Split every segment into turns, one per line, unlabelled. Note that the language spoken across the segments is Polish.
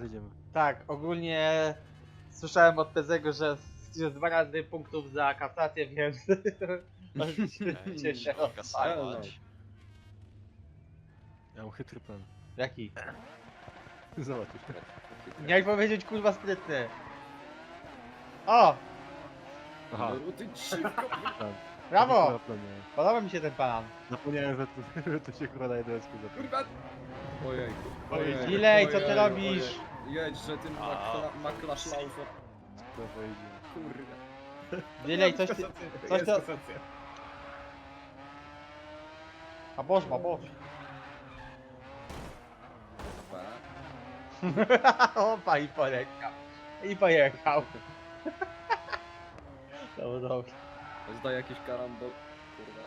razy idziemy.
Tak, ogólnie słyszałem od Pezego, że jest 2 razy punktów za kasację, więc możecie się odpalić.
Kasować.
Ja mam chytry plan.
Jaki?
Zobaczysz.
Miałeś powiedzieć kurwa sprytny. O!
Aha,
No ty dziwko.
plan.
Brawo!
Plan miałem.
Podoba mi się ten plan.
Zapomniałem, że to się kurwa na jednosku zapomniał.
Kurwa. Ojej.
Delay, co ty robisz?
Jedź, że tym maklaszlaufem.
To pojedzie.
Kurde.
Delay, coś ty... Coś to... A boż, ma boż. Opa i poleciał. I pojechał. To dobrze.
Zdaj jakiś karambol. Kurwa.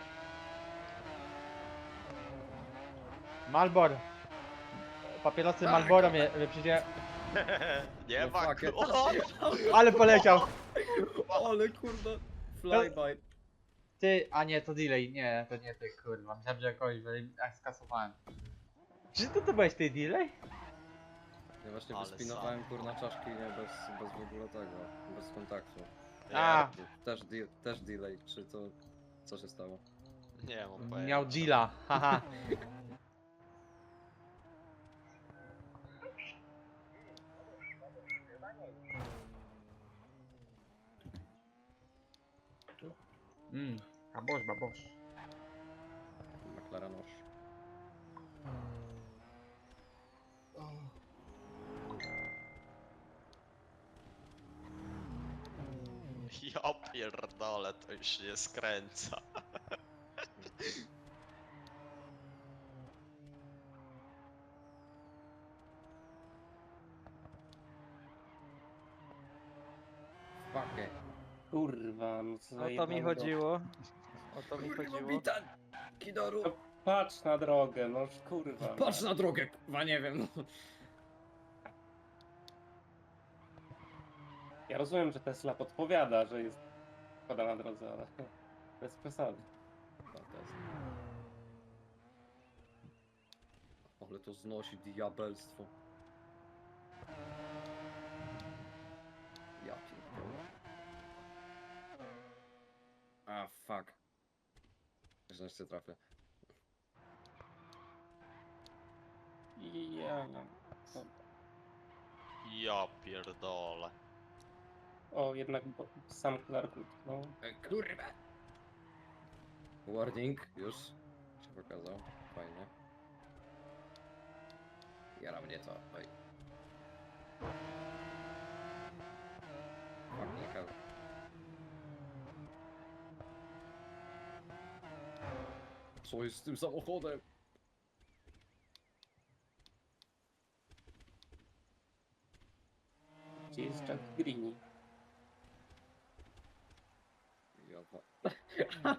Malbor. Papierosy Malboro mnie przyjdzie.
No
No
fuck it.
Ale poleciał.
Ale kurwa. Flyby.
Ty, a nie, to delay. Nie, to nie ty, kurwa. Myślałem, że jakoś skasowałem. Czy to byłeś ty delay?
Ja właśnie
Ale
wyspinowałem kurna czaszki nie bez w ogóle tego. Bez kontaktu.
A,
Też delay. Czy to... Co się stało?
Nie mam pojęcia.
miał deala. Haha. Babosz, babosz.
McLarenosz.
Ja pierdolę, to już się nie skręca.
Fuck it.
Kurwa, no co za
O to mi
jednego.
chodziło. O to mi chodziło.
Witan! Kidoru!
No, patrz na drogę, no kurwa.
Patrz na drogę, kurwa, nie wiem. No.
Ja rozumiem, że Tesla podpowiada, że jest woda na drodze, ale bez przesady.
Ale to znosi diabelstwo. Ja pierdolę. A fuck. Że jeszcze trafię.
I ja...
Ja pierdolę.
O, jednak sam Clark no.
Kurwa! Warning, już się pokazał. Fajnie. Jara mnie to. Oj. Fucking hell. Co jest z tym samochodem?
Gdzie jest Jack Greeny?
Ja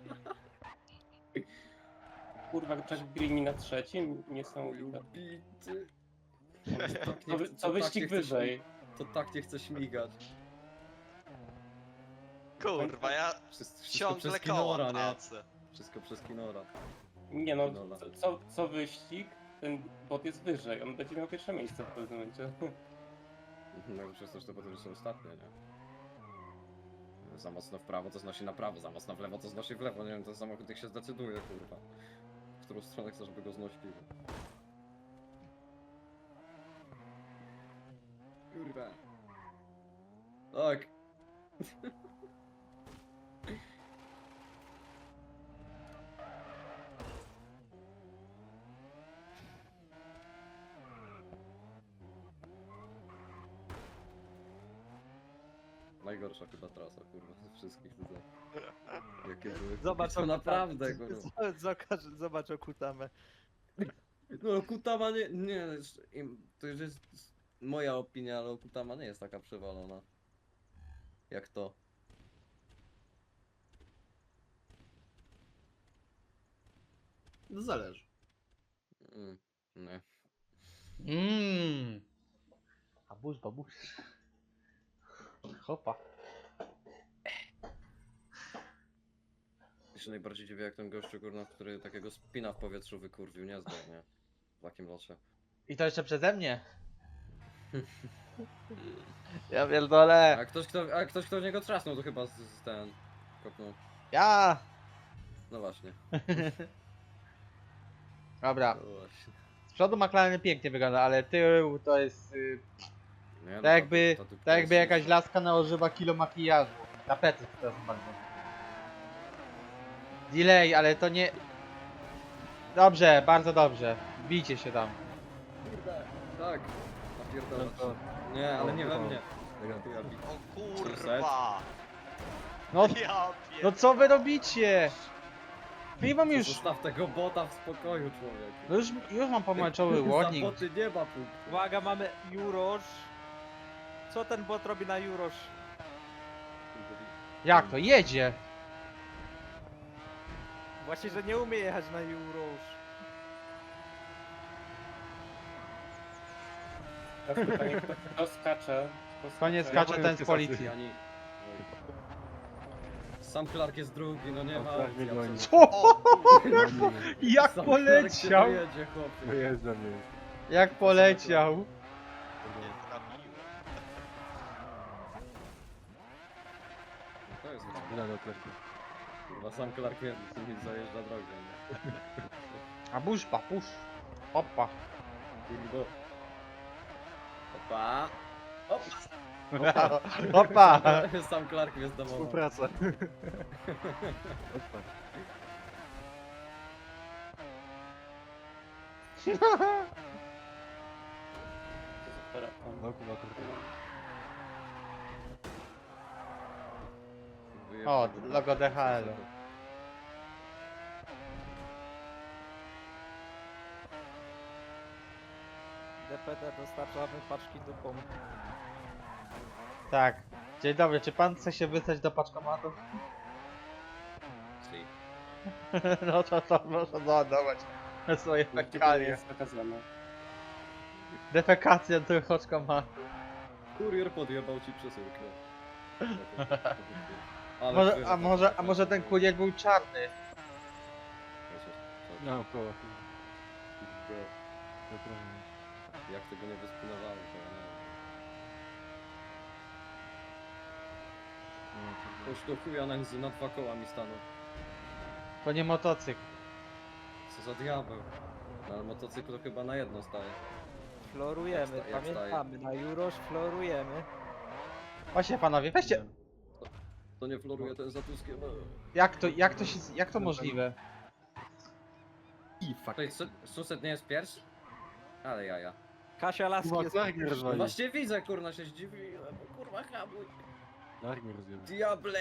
Kurwa, Jack Greeny na trzecim? Niesamowite.
Bity.
Co wyścig wyżej?
To tak nie chce śmigać.
Kurwa, ja
Wszystko
ciągle
przez
koło
Kinora, nie?
tracę.
Wszystko przez Kinora.
Nie no,
Dobra.
co wyścig, ten bot jest wyżej. On będzie miał pierwsze miejsce w pewnym momencie.
No przez to, że to potem są ostatnie, nie? Za mocno w prawo to znosi na prawo, za mocno w lewo to znosi w lewo, nie wiem, ten samochód jak się zdecyduje, kurwa. W którą stronę chcesz, żeby go znosił. Kurwa. Tak. Najgorsza chyba trasa, kurwa, ze wszystkich tutaj. Jakie były.
Zobacz
to naprawdę, kurwa.
Zobacz Okutamę.
No Kutama nie, to już jest moja opinia, ale Kutama nie jest taka przewalona. Jak to.
No zależy.
Nie.
Babusz, babusz. Hopa.
Ja się najbardziej dziwię jak ten gościu, kurwa, który takiego spina w powietrzu wykurwił, nie zdał, nie? W takim locie.
I to jeszcze przeze mnie. Ja pierdolę.
A ktoś kto w niego trzasnął, to chyba z ten... kopnął.
Ja!
No właśnie.
Dobra.
No właśnie.
Z przodu McLaren pięknie wygląda, ale tył to jest...
Nie, no
tak jakby,
ta dupka
tak jakby
jest
jakaś
słuszna.
laska nałożyła kilo makijażu. Tapety, przepraszam bardzo. Delay, ale to nie... Dobrze, bardzo dobrze. Bijcie się tam.
Kurde, tak. Napierdolę.
No to-
Nie, ale nie we mnie.
Elegancko.
Ja bi-
O kurwa!
No,
Ja
no
pierdolę.
co wy robicie? Chyba już...
Zostaw tego bota w spokoju, człowiek.
No już mam pomarańczowy
Za
warning.
boty nie ma punktu.
Uwaga, mamy Jurosz. Co ten bot robi na Jurosz?
Jak to? Jedzie!
Właśnie, że nie umie jechać na Jurosz.
Teraz pytanie, kto skacze?
Koniec
skacze.
skacze ten z policji.
Ani... Sam Clark jest drugi, no nie
Sam
ma
Clark
opcji,
mnie goni.
absolutnie.
Co?
O kurwa!
Jak
Sam
poleciał!
Clark się dojedzie, chłopie.
Wyjeżdża mnie.
Jak poleciał!
Nie trafiłem.
To jest
Wyda do klepu.
kurwa, sam Clark mnie zajeżdża drogę, nie?
A buszpa, pusz. Opa.
Kurwa. Opa.
Opa.
Sam Clark mnie zdamował.
Współpraca. Odpad. No kurwa, kurwa.
O, logo DHL.
DPD dostarczamy paczki dupą.
Tak. Dzień dobry, czy pan chce się wysłać do paczkomatu?
Si.
No to proszę załadować swoje fekalie.
jest wykazane.
Defekacja do paczkomatu.
Kurier podjebał ci przesyłkę. Ale
Może,
kurier
a może ten kurier był czarny?
No, koło.
Jak tego nie wyspinowałem, to ja nie wiem. Już to chuja na dwa koła mi stanął.
To nie motocykl.
Co za diabeł. No, ale motocykl to chyba na jedno staje.
Florujemy,
Jak
pamiętamy. Na Jurosz florujemy.
Właśnie panowie, weźcie.
To nie floruje, to jest za tuskiem.
Jak to możliwe?
I fuck.
Tutaj Suset nie jest pierwszy? Ale jaja.
Kasia Laski
Kurwa,
jest...
Clark mnie
No
rozwalił.
właśnie widzę, kurna, się zdziwiłem. Kurwa, hamuj.
Clark mnie rozjebał.
Diable.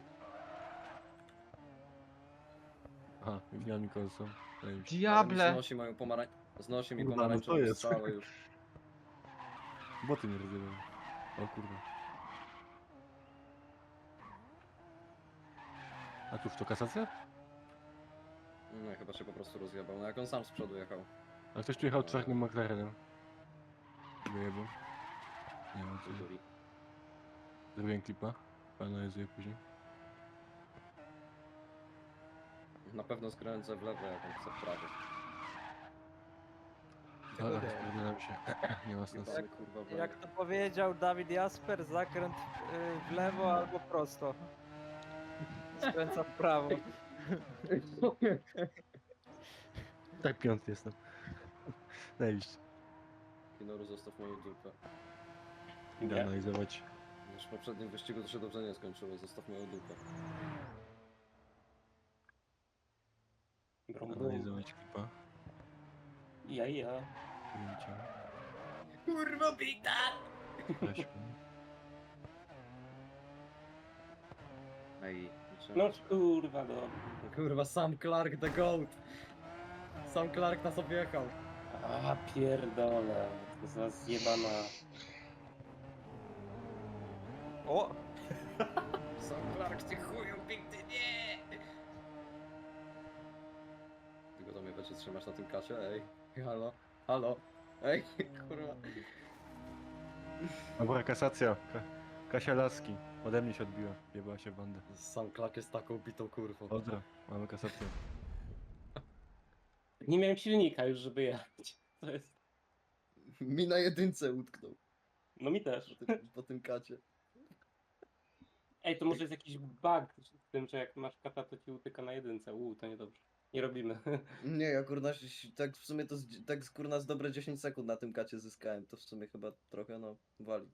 Aha, wziąłem mi kolcą. Zajebiście.
Diable!
Znosi mi
Kurwa, no
pomarańczową
to jest.
strzałę już.
Boty mnie rozjebały. O kurwa. A tu w to kasacja?
No chyba się po prostu rozjebał. No jak on sam z przodu jechał.
A ktoś tu jechał czarnym McLarenem. Wyjebał. Nie wiem co.
Duri.
Zrobiłem klipa. Analizuję później.
Na pewno skręcę w lewo, jak on chce w prawo.
Ale spierdolę się. Nie ma sensu.
Jebany, kurwa, w lewo.
Jak to powiedział Dawid Jasper, zakręt w lewo albo prosto. Skręca w prawo.
Tak piąty jestem. Zajebiście.
Kinoru, zostaw moją dupę.
Idę
Nie.
analizować.
Już w poprzednim wyścigu to się dobrze nie skończyło, zostaw moją dupę.
Brum, brum.
Analizować klipa.
Ja.
Ujęcia.
Kurwa bita!
Weźmy.
Ej,
No kurwa, no.
kurwa, sam Clark the GOAT! Sam Clark nas objechał.
A pierdolę. To za zjebana.
O!
Sam Clark, ty chuju, bity, nie! Tylko to mnie będzie trzymać na tym kacie, ej. Halo, halo. Ej, kurwa.
Dobra, kasacja. Kasia Laski. Ode mnie się odbiła. Jebała się w bandę.
Sam Clark jest taką bitą kurwą.
Dobra, mamy kasację.
Nie miałem silnika już, żeby jechać. To jest...
Mi na jedynce utknął.
No mi też.
Po tym kacie.
Ej, to może jest jakiś bug w tym, że jak masz kata, to ci utyka na jedynce. To niedobrze. Nie robimy.
Nie, ja kurna, tak w sumie to tak kurna z dobre 10 sekund na tym kacie zyskałem, to w sumie chyba trochę no wali.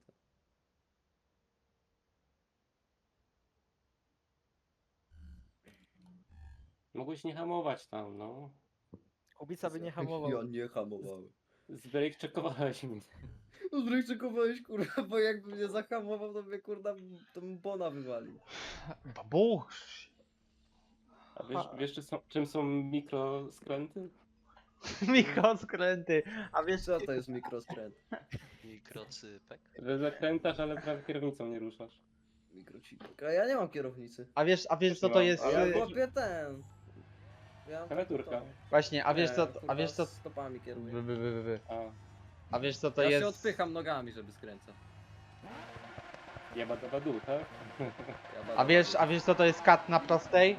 Mogłeś nie hamować tam, no.
Kubica by nie hamował.
Ja nie hamowałem.
Zbrejkczekowałeś mnie.
No zresztą kurwa, bo jakby mnie zahamował, to mnie kurna, to bym bona wywalił.
Babusz!
A wiesz czym są mikroskręty?
Mikroskręty. A wiesz
Co to jest mikroskręt?
Mikrocypek.
Że zakrętasz, ale prawie kierownicą nie ruszasz.
Mikrocipek. A ja nie mam kierownicy.
A wiesz co to jest...
Ale
Ja
to-
chłopie ten. Ja
Klawiaturka.
Właśnie, a wiesz
Nie,
co...
kurwa,
A wiesz co...
stopami kieruję.
A,
A wiesz co to
Ja
jest...
się odpycham nogami, żeby skręcać.
jeba do dół, tak?
Ja
A wiesz co to jest kat na prostej?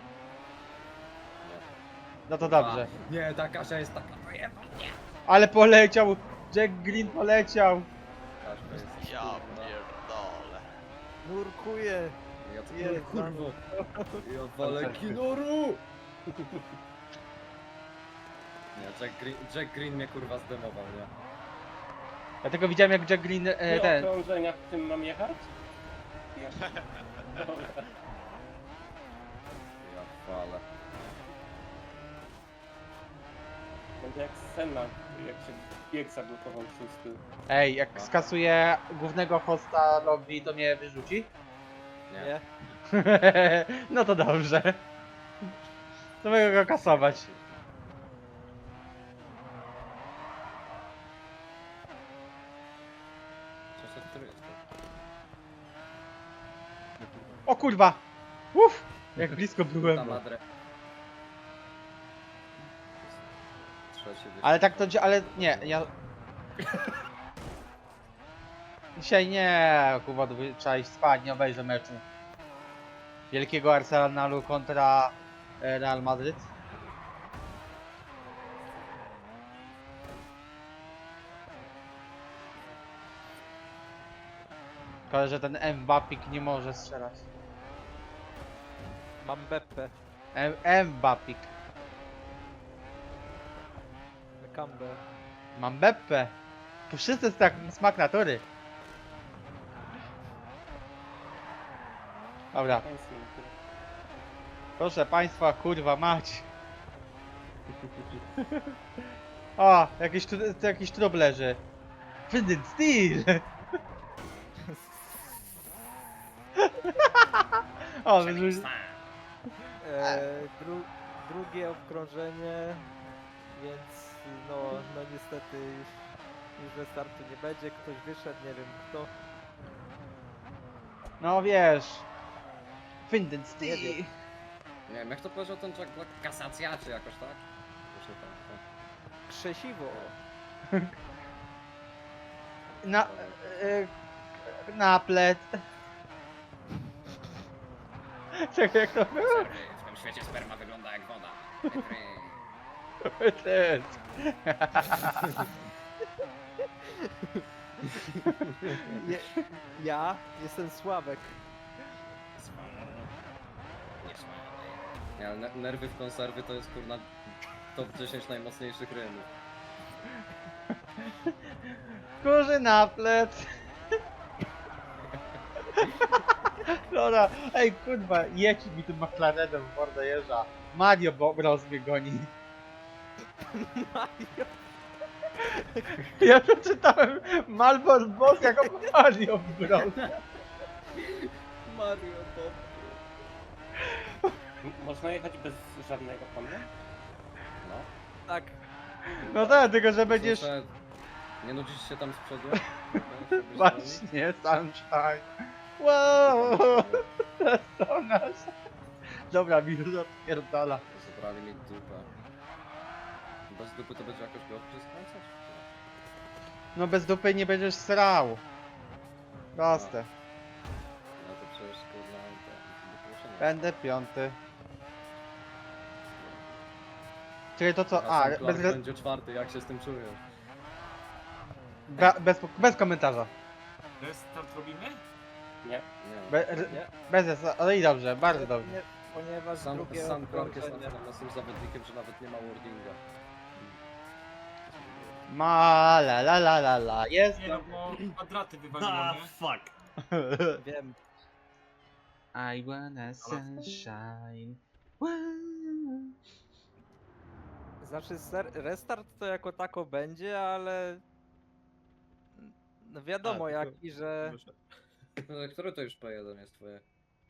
No to dobrze.
Nie, ta Kasia jest taka.
Ale poleciał! Jack Green poleciał!
Kaszka jest.
Ja
kurwa.
pierdolę.
Nurkuję.
Ja to
Jest,
kurwa. Ja walę kinoru! Nie, Jack Green mnie kurwa zdemował, nie?
Ja tylko widziałem jak Jack Green ten...
okrążenia w tym mam jechać? Dobra.
Ja walę.
Będzie jak Senna, jak się bieg zablokował szósty.
Ej, jak skasuję głównego hosta lobby, to mnie wyrzuci?
Nie.
Nie?
No to dobrze. To mogę go kasować.
Co to jest?
O kurwa! Uff! Jak blisko byłem.
Ta madre. Trzecie
Ale tak to ale nie, ja... Dzisiaj nie, kurwa, trzeba iść spać, nie obejrzę meczu. Wielkiego Arsenalu kontra Real Madryt. Szkoda, że ten Mbappik nie może strzelać.
Mam Beppe.
Mbappik.
Kambę.
Mam Beppe. Tu wszyscy jest tak smak natury. Dobra, proszę państwa, kurwa mać. O, jakiś trup leży. Finding Steel! O,
Drugie obkrążenie, więc no niestety już ze startu nie będzie. Ktoś wyszedł, nie wiem kto.
no wiesz. Finding
Nie
Steel!
wiem.
Nie wiem, jak to powiedział ten Jack Black? Kasacja czy jakoś tak? Proszę tam.
Krzesiwo.
Na... naplet. Czekaj, jak to było?
W tym świecie sperma wygląda jak woda.
Ten.
Ja jestem Sławek.
Nie, ale nerwy w konserwy to jest kurna top 10 najmocniejszych rymów.
Kurzy naplet. Dobra, ej kurwa, jedź mi tym McLarenem w mordę jeża. Mario Bros mnie goni.
Mario.
Ja to czytałem Malbor Boss jako Mario Bros.
Mario Bob.
Można jechać bez żadnego pana?
No.
Tak.
No tak, tylko że będziesz...
Słyszę, nie nudzisz się tam z przodu?
Właśnie, sunshine. Wow, to nas. Dobra, mi już odpierdala.
Zabrali mi dupę. Bez dupy to będzie jakoś go przeskręcać?
No bez dupy nie będziesz srał. Proste.
No to przecież kurna to wyproszenie.
Będę piąty. Czyli to co?
A
A,
sam Clark będzie czwarty, jak się z tym czujesz?
bez komentarza.
Restart robimy?
Nie.
Nie.
Bez, ale i dobrze, bardzo dobrze.
Ponieważ
Sam
drugie
Clark jest
okrążenie...
na tym zawodnikiem, że nawet nie ma wordinga.
Ma la la la la la, jest.
Nie no, bo kwadraty wywaliło, nie?
fuck.
Wiem.
I wanna sunshine.
Znaczy restart to jako tako będzie, ale... No wiadomo
A, tylko-
jaki, że...
Który to już P1 jest twoje?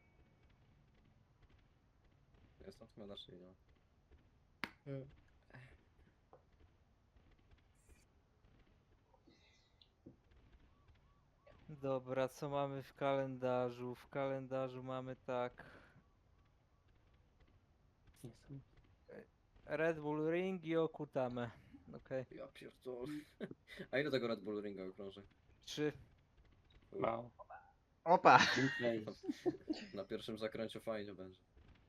Jest to na czy nie?
Dobra, co mamy w kalendarzu? W kalendarzu mamy tak... Red Bull Ring i Okutame. Okej.
Ja pierdolę. A ile tego Red Bull Ringa okrąży?
3.
Mało.
Opa.
Gameplay.
Na pierwszym zakręciu fajnie będzie.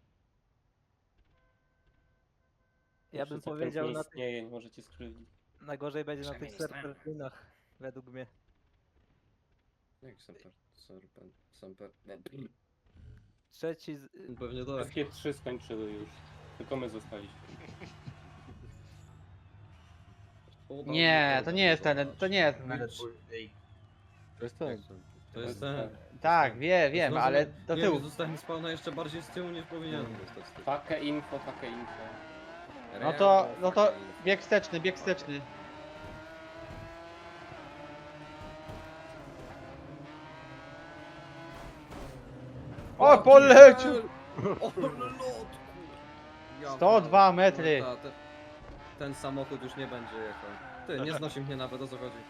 Ja bym
Jeszcze
powiedział
nie
na tych...
istnieje, nie możecie skrzywdzić.
Najgorzej będzie na tych
Przynajmniej nie znamy.
serpentynach. Według mnie.
Jak Semper.
Trzeci...
Pewnie tak.
Wszystkie 3 skończyły już. Tylko my zostaliśmy.
Nie, to nie jest ten, to nie jest ten Red Bull.
To jest ten.
To jest ten.
Tak, wiem, ale do
nie,
tyłu.
Zostałem spawna jeszcze bardziej z tyłu niż powinienem zostać z tyłu.
Fakę info, fakę info.
No to bieg wsteczny, bieg wsteczny. O, polecił!
O, lot, kur...
102 metry.
Ten samochód już nie będzie jechał. Ty, nie znosi mnie nawet, o co chodzi.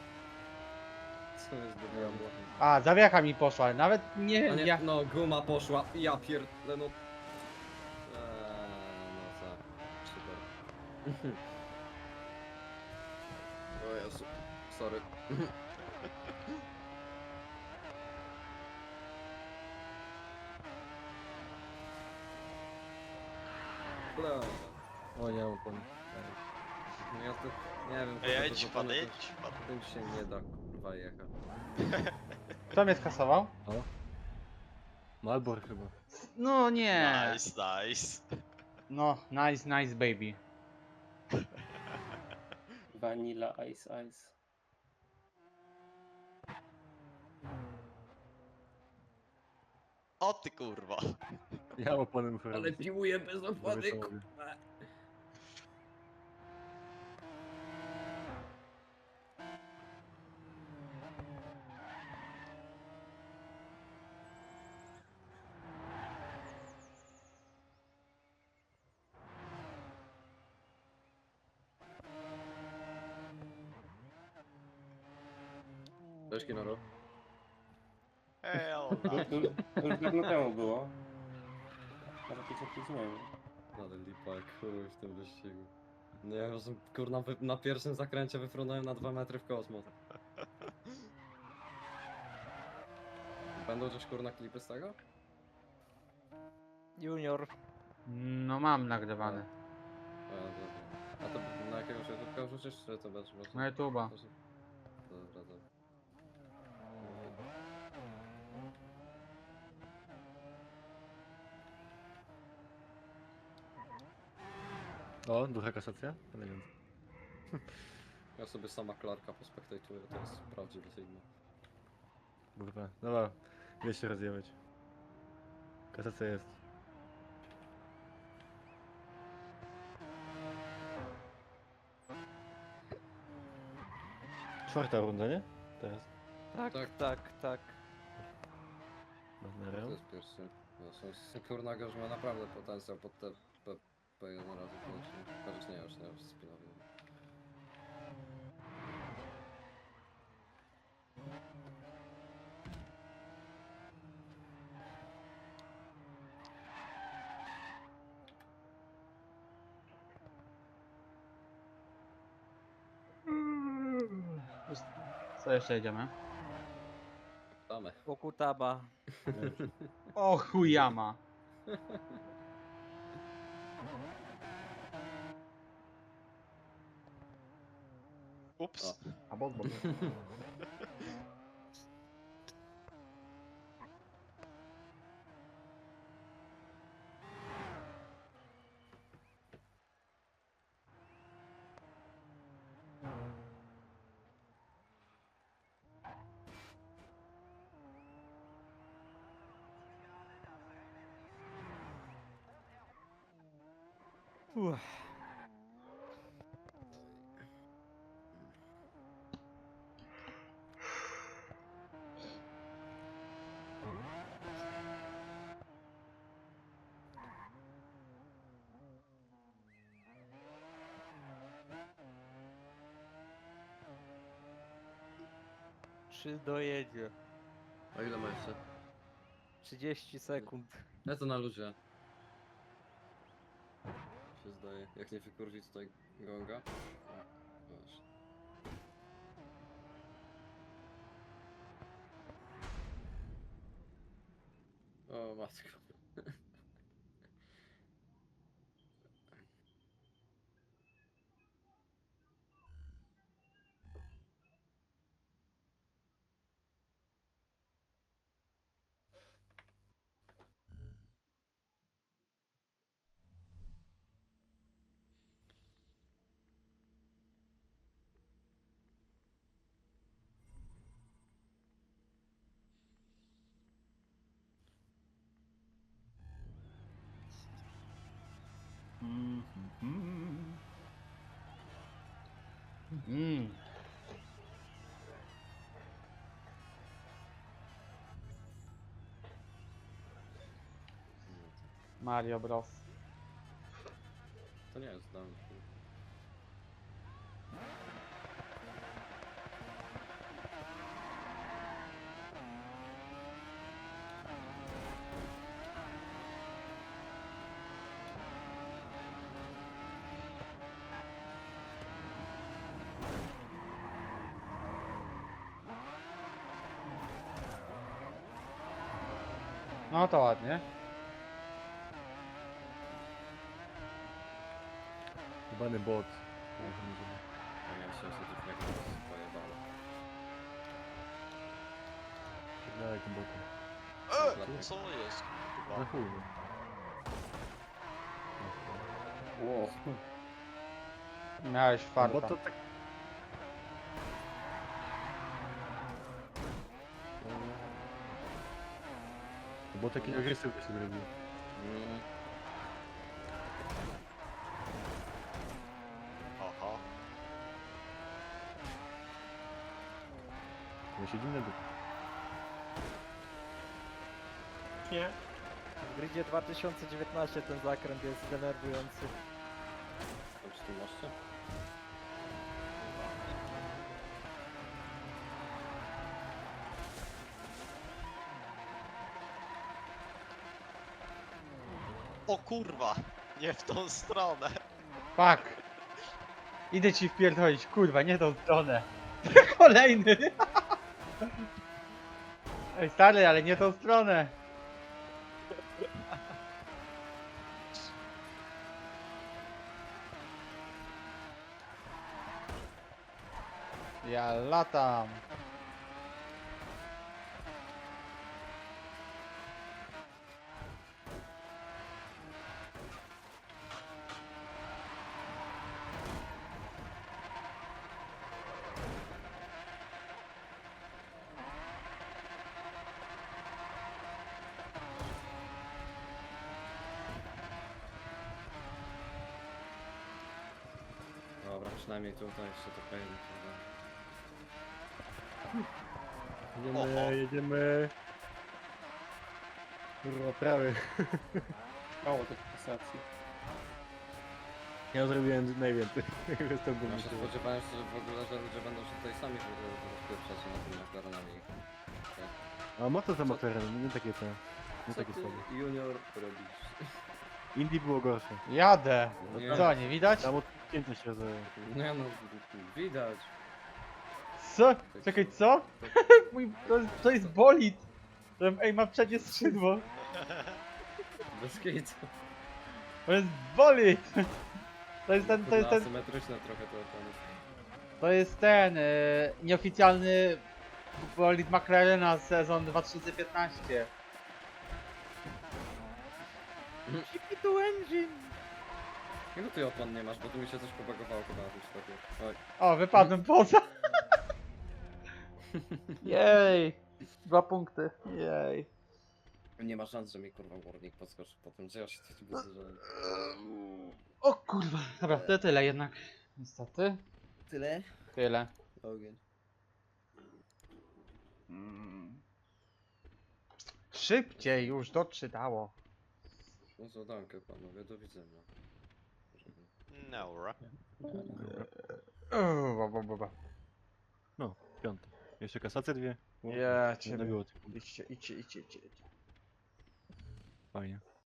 Co jest do diabła?
A, zawiacha mi poszła, nawet
A
nie,
nie,
ja...
no guma poszła, ja pierdolę, no... no co, super. O Jezu, sorry. Bla.
O, nie mam opony.
No ja to, nie wiem...
Jedź pan,
to-
jedź pan.
Tym się nie da, kurwa, jechać.
Kto mnie skasował?
Malbor chyba.
No nie.
Nice, nice.
No, nice baby.
Vanilla Ice Ice.
O ty kurwa.
Ja mam opony muszę
Ale
robić.
piłuję bez opony,
Robię
kurwa.
samochód.
Cześć, Kinoro.
Hell no.
Już dawno temu było. Może być opóźnienie.
Ale lipa jak chuj w tym wyścigu. Nie wiem, że kurna na pierwszym zakręcie wyfrunąłem na 2 metry w kosmos. Będą gdzieś kurna klipy z tego?
Junior.
No mam nagrywane.
A, dobra. A to na jakiegoś YouTube'a wrzucisz, czy to będzie można?
Na YouTube'a.
Dobra, dobra.
O, druga kasacja? Elegancko.
Ja sobie sama Clarka pospektajtuję, to jest prawdziwy Sigma.
Kurwa. Dobra, ile się rozjechać. Kasacja jest. Czwarta runda, nie? Teraz.
Tak,
Tak.
tak.
Dobra.
To jest pierwszy. No, kurna gość ma naprawdę potencjał pod te P1 razy koniecznie. Chociaż nie, już spinowy.
Co jeszcze jedziemy?
Damy.
Okutaba.
O chujama.
Ups.
A bo.
Uff. Czy dojedzie?
A ile ma jeszcze?
30 sekund.
Ja to na luzie. Się zdaje. Jak nie wykurwi tutaj gonga. O, właśnie. O matko.
Mario Bros.
To nie jest dam.
No to ładnie.
Jebany bot.
Ja miałem 700 jak to pojebało.
Pierdalaj tym botem.
Co jest?
Na
Kurwa.
chuj. No.
Wow.
Miałeś farta.
Bo to tak... Bo taki agresywny się zrobił.
Mm.
Aha.
No siedzi na dupie.
Nie.
W gridzie 2019 ten zakręt jest denerwujący.
To przy tym moście?
O kurwa! Nie w tą stronę.
Fuck. Idę ci wpierdolić, kurwa, nie tą stronę. Kolejny. Ej stary, ale nie tą stronę. Ja latam.
Dobra, przynajmniej tutaj jeszcze to pejmy.
Jedziemy,
Oho.
jedziemy. Kurwa, prawy.
Mało tych kasacji.
Ja zrobiłem najwięcej. Jestem
Ja
dumny.
się spodziewałem, że w ogóle, że ludzie będą się tutaj sami rozpieprzać na tym McLarenami.
A mocno za McLaren, nie takie te. Nie
Co
takie
ty,
słabe.
junior, robisz?
Indie było gorsze.
Jadę.
Nie.
Co, nie widać?
Tam odcięte się za...
Nie no, widać.
Co? Czekaj, co? Mój, to jest bolid. Ej, ma przednie skrzydło.
Bez kitu.
To jest bolid. To jest ten,
Asymetryczne trochę to opony.
to jest ten nieoficjalny bolid McLarena sezon 2015.
GP2 engine!
Ile ty opon nie masz, bo tu mi się coś pobagowało chyba na tym sklepie. Oj.
O, wypadłem poza. Jej. 2 punkty. Jej.
Nie ma szans, że mi kurwa górnik podskoczy po tym, że ja się tu budzę, że...
O kurwa, dobra, to tyle jednak. Niestety.
Tyle?
Tyle.
Ogień.
Szybciej już doczytało.
No zadankę panowie, do widzenia.
Nora.
No, piąte. Jeszcze kasacje dwie. O,
Ja
nie
ciebie.
było tylko.
Idźcie.
Fajnie.